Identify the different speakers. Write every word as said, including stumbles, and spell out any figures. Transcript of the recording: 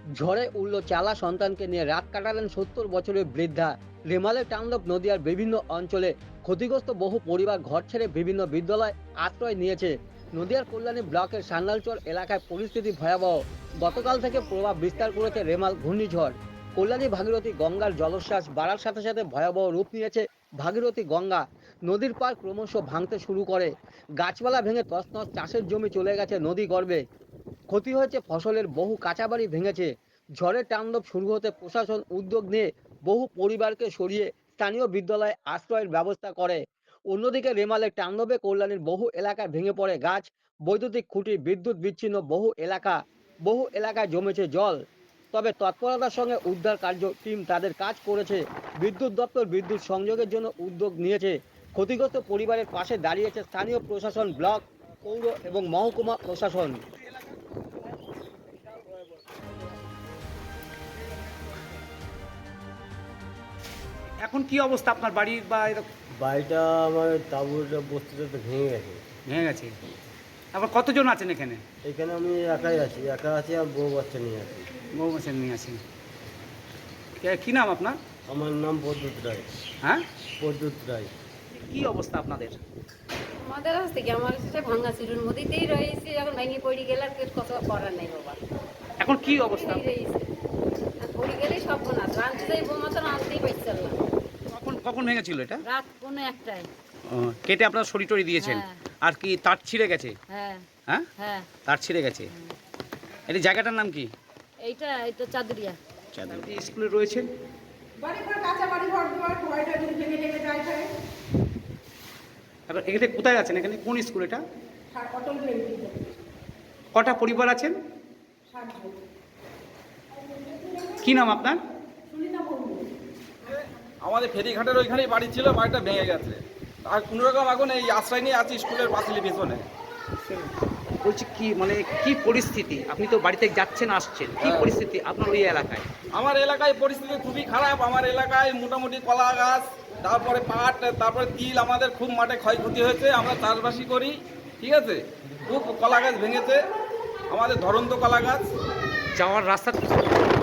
Speaker 1: ঝড়ে উড়ল চালা সন্তানকে নিয়ে রাত কাটালেন সত্তর বছরের বৃদ্ধা। রেমালের তাণ্ডব নদিয়ার বিভিন্ন অঞ্চলে ক্ষতিগ্রস্ত বহু পরিবার ঘর ছেড়ে বিভিন্ন বিদ্যালয় আশ্রয় নিয়েছে। নদিয়ার কল্যাণী ব্লকের সান্যালচর এলাকায় পরিস্থিতি ভয়াবহ। গতকাল থেকে প্রভাব বিস্তার করেছে রেমাল ঘূর্ণিঝড়। কল্যাণী ভাগীরথী গঙ্গার জলোচ্ছ্বাস বাড়ার সাথে সাথে ভয়াবহ রূপ নিয়েছে ভাগীরথী গঙ্গা। নদীর পাড় ক্রমশ ভাঙতে শুরু করে। গাছপালা ভেঙে তছনছ, চাষের জমি চলে গেছে নদী গর্ভে। ক্ষতি হয়েছে ফসলের, বহু কাঁচাবাড়ি ভেঙেছে। ঝড়ের তাণ্ডব শুরু হতে প্রশাসন উদ্যোগ নিয়ে বহু পরিবারকে সরিয়ে স্থানীয় বিদ্যালয়ে আশ্রয়ের ব্যবস্থা করে। অন্যদিকে রেমালের তাণ্ডবে কল্যাণীর বহু এলাকায় ভেঙে পড়ে গাছ, বৈদ্যুতিক খুঁটি, বিদ্যুৎ বিচ্ছিন্ন বহু এলাকা। বহু এলাকায় জমেছে জল। তবে তৎপরতার সঙ্গে উদ্ধার কার্য টিম তাদের কাজ করেছে। বিদ্যুৎ দপ্তর বিদ্যুৎ সংযোগের জন্য উদ্যোগ নিয়েছে। ক্ষতিগ্রস্ত পরিবারের পাশে দাঁড়িয়েছে স্থানীয় প্রশাসন, ব্লক, পৌর এবং মহকুমা প্রশাসন।
Speaker 2: এখন কি অবস্থা আপনার বাড়ির বা এরকম?
Speaker 3: বাড়িটা আমার তাঁবুটা বস্তিটা তো ভেঙে গেছে।
Speaker 2: ভেঙে গেছে। আবার কতজন আছেন এখানে?
Speaker 3: এখানে আমি একাই আছি, একা আছি আর বউ বাচ্চা নিয়ে আছি।
Speaker 2: বউ মাসের নিয়ে আছেন। কে- কি নাম আপনার?
Speaker 3: আমার নাম প্রদ্যুৎ রায়।
Speaker 2: হ্যাঁ,
Speaker 3: প্রদ্যুৎ রায়।
Speaker 2: কি অবস্থা আপনাদের?
Speaker 4: আমাদের কাছ থেকে আমার সাথে ভাঙা ছিল, নদীতেই রয়েছে, এখন ভেঙে পড়ে গেলে আর কিছু কথা করার নেই বাবা।
Speaker 2: এখন কি অবস্থা?
Speaker 4: নদীতেই রয়েছে, আর পড়ে গেলেই সব না, রাঁধতে যাই বোমা তো রাঁধতেই পারছিলাম না।
Speaker 2: কখন কখন ভেঙেছিল এটা?
Speaker 4: রাত কোনো একটাই।
Speaker 2: ও, কেটে আপনারা সরি টরি দিয়েছেন?
Speaker 4: হ্যাঁ।
Speaker 2: আর কি তার ছিঁড়ে গেছে?
Speaker 4: হ্যাঁ
Speaker 2: হ্যাঁ,
Speaker 4: হ্যাঁ।
Speaker 2: তার ছিঁড়ে গেছে। এই জায়গাটার নাম কি?
Speaker 4: এইটা এইটা চাদুরিয়া।
Speaker 2: চাঁদাবতী স্কুলে রয়েছেন।
Speaker 5: বাড়ি ঘর কাঁচা বাড়ি ঘর দুয়ার ভয়টা যদি ভেঙে ভেঙে যায় থাকে
Speaker 2: এবার এখানে কোথায় আছেন? এখানে কোন স্কুল এটা?
Speaker 5: সার অটল ব্যাংক
Speaker 2: কটা পরিবার আছেন?
Speaker 5: ষাট জন
Speaker 2: কি নাম আপনার?
Speaker 5: সুনিতা মুর্মু।
Speaker 6: আমাদের ফেরিঘাটের ওইখানেই বাড়ি ছিল, বাড়িটা ভেঙে গেছে। আর কোনো রকম এখন এই আশ্রয় নিয়ে আছি স্কুলের পাঁচিলের পেছনে।
Speaker 2: বলছি কি মানে কি পরিস্থিতি? আপনি তো বাড়িতে যাচ্ছেন আসছেন, কি
Speaker 6: হ্যাঁ।
Speaker 2: পরিস্থিতি আপনার ওই এলাকায়?
Speaker 6: আমার এলাকায় পরিস্থিতি খুবই খারাপ। আমার এলাকায় মোটামুটি কলা গাছ, তারপরে পাট, তারপরে তিল, আমাদের খুব মাঠে ক্ষয়ক্ষতি হয়েছে। আমরা চাষবাসই করি, ঠিক আছে। খুব কলা গাছ ভেঙেছে, আমাদের ধরন্ত কলা গাছ।
Speaker 2: যাওয়ার রাস্তা